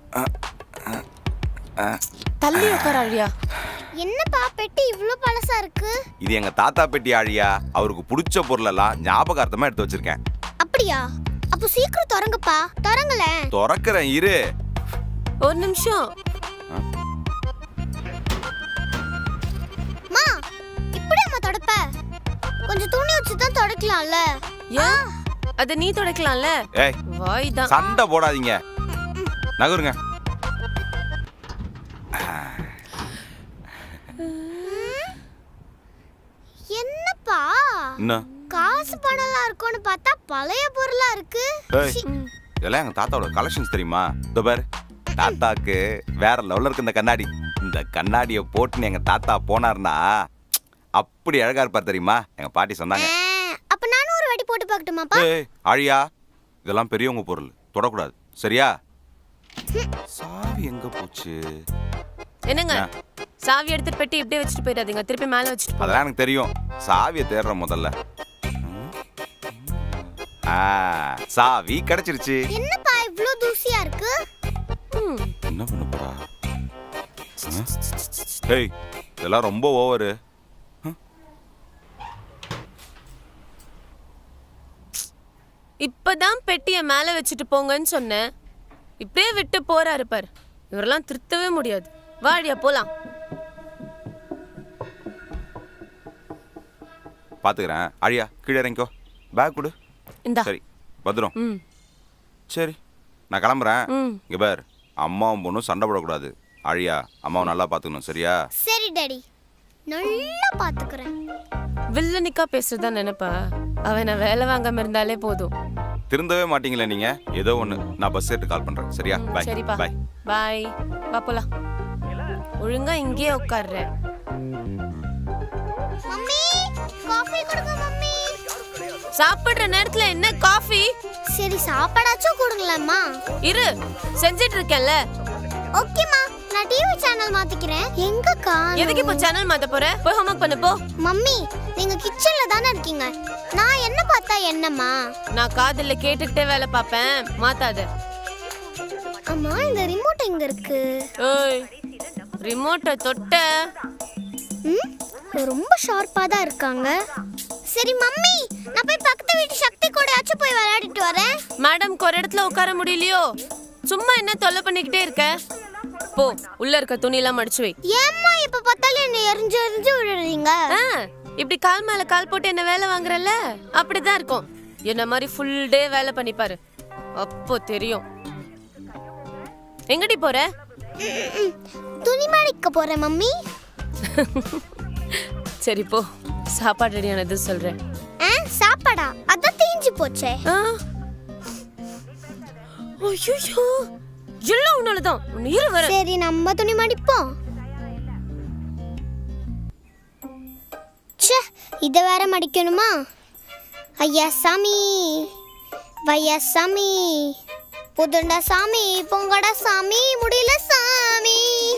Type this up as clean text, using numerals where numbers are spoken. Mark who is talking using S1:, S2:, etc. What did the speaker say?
S1: தள்ளி உட்கார ஆழியா.
S2: என்னப்பா பெட்டி இவ்ளோ பழசா இருக்கு?
S3: இது எங்க தாத்தா பெட்டி ஆழியா. அவருக்கு பிடிச்ச பொருளெல்லாம் ஞாபகார்த்தமா எடுத்து வச்சிருக்கேன்.
S2: அப்படியா? அப்ப சீக்கிரம் திறங்கப்பா. திறங்களேன்.
S3: திறக்கிறேன் இரு.
S1: ஒரு நிமிஷம்.
S2: மா, இப்படி அம்மா தொடப்ப. கொஞ்சம் துணி வச்சு தான் தொடக்கலாம்ல.
S1: ஏன்? அத நீ தொடக்கலாம்ல.
S3: ஏய்,
S1: வாய் தான்.
S3: சண்டை போடாதீங்க. நகருங்க.
S2: என்னப்பா?
S3: என்ன?
S2: காசு பணம்லாம் இருக்கும்னு பார்த்தா பழைய பொருளா இருக்கு.
S3: ஏய், இதெல்லாம் எங்க தாத்தாவோட கலெக்ஷன்ஸ் தெரியுமா? இதோ பாரு. தாத்தாக்கு வேற லெவல்ல இருக்கு இந்த கண்ணாடி. இந்த கண்ணாடியை போட்டு எங்க தாத்தா போனார்னா அப்படி அழகா இருப்பார் தெரியுமா? எங்க பாட்டி சொன்னாங்க.
S2: அப்ப நானும் ஒரு வாட்டி போட்டு பார்க்கட்டுமாப்பா?
S3: ஏய் ஆழியா, இதெல்லாம் பெரியவங்க பொருள், தொடக்கூடாது சரியா? சாவி எங்க போச்சு?
S1: என்னங்க? சாவி எடுத்துட்டு பெட்டி இப்படியே வச்சுட்டு போயிடாதீங்க. திருப்பி மேல வச்சுட்டு போ.
S3: அதெல்லாம் எனக்கு தெரியும். சாவியை தேடுறேன் முதல்ல. சாவி கிடைச்சிருச்சு.
S2: என்னப்பா இவ்ளோ தூசியா இருக்கு?
S3: என்ன பண்ண போறா? ஏய், இதெல்லாம் ரொம்ப ஓவரு.
S1: இப்பதான் பெட்டிய மேல வச்சுட்டு போங்கன்னு சொன்னேன். இப்படியே விட்டு போறாரு பார். இவரெல்லாம் திருத்தவே முடியாது. வாடியா போலாம்.
S3: பாத்துக்கிறேன். ஆழியா கீழே இறங்கிக்கோ. பேக் கொடு.
S1: இந்தா.
S3: சரி பத்திரம். சரி நான் கிளம்புறேன். இங்க பார், அம்மாவும் பொண்ணும் சண்டை போடக்கூடாது. ஆழியா, அம்மாவை நல்லா பாத்துக்கணும் சரியா?
S2: சரி டாடி, நல்லா பாத்துக்கிறேன்.
S1: வில்லனிக்கா பேசுறதா நினைப்பா? அவன் நான் வேலை வாங்காம இருந்தாலே போதும்.
S3: திருந்தவே மாட்டீங்களே நீங்க. ஏதோ ஒண்ணு, நான் பஸ் ஏறிட்டு கால் பண்றேன் சரியா? பை.
S1: சரிப்பா,
S3: பை
S1: பாய். வா போலாம். ஒழுங்கா இங்கேயே உட்கார்ற.
S2: மம்மி, காஃபி கொடுங்க மம்மி.
S1: சாப்பிடுற நேரத்துல என்ன காஃபி?
S2: சரி சாப்பாடாச்சும் கொடுங்களேம்மா.
S1: இரு, செஞ்சிட்டு இருக்கேன்ல.
S2: ஓகேம்மா, நான் டிவி சேனல் மாத்திக்கிறேன். எங்க காணோம்?
S1: எதுக்கு இப்போ சேனல் மாத்த போற? போய் ஹோம்வொர்க் பண்ணு போ.
S2: மம்மி, நீங்க கிச்சன்ல தானே இருக்கீங்க. நான் என்ன பார்த்தா என்னம்மா?
S1: நான் காதுல கேட்டுக்கிட்டே வேலை பார்ப்பேன். மாத்தாத.
S2: அம்மா, இந்த ரிமோட் எங்க இருக்கு?
S1: ஏய், ரிமோட்டை தொட்ட.
S2: ரொம்ப ஷார்ப்பா தான் இருக்காங்க. சரி மம்மி, நான் போய் பக்கத்து வீட்டு சக்தி கூடயாச்சும் போய் விளையாடிட்டு வரேன்.
S1: மேடம் ஒரு இடத்துல உட்கார முடியலையோ? சும்மா என்ன தொல்லை பண்ணிக்கிட்டே இருக்க? போ, உள்ள இருக்க துணி எல்லாம் மடிச்சு வை.
S2: ஏம்மா இப்ப பார்த்தாலும் என்ன எரிஞ்சு எரிஞ்சு விடுறீங்க?
S1: இப்படி கால் மேல கால் போட்டு என்ன வேலை வாங்குறல்ல, அப்படிதான் இருக்கும். என்ன மாதிரி ஃபுல் டே வேலை பண்ணிப்பாரு, அப்போ தெரியும். எங்கடி போற?
S2: துணி மடிக்க போறேன் மம்மி.
S1: சரி போ, சாப்பாடு ரெடியானது சொல்றேன்.
S2: சாப்பாடா? அதான் தீஞ்சு போச்சே.
S1: ஐயோ, எல்லாம் உன்னாலதான். இரு வர.
S2: சரி நம்ம துணி மடிப்போம். ச்சே, இத வேற மடிக்கணுமா? ஐயா சாமி, வையா சாமி, புதுண்டா சாமி, பொங்கடா சாமி, முடியல சாமி.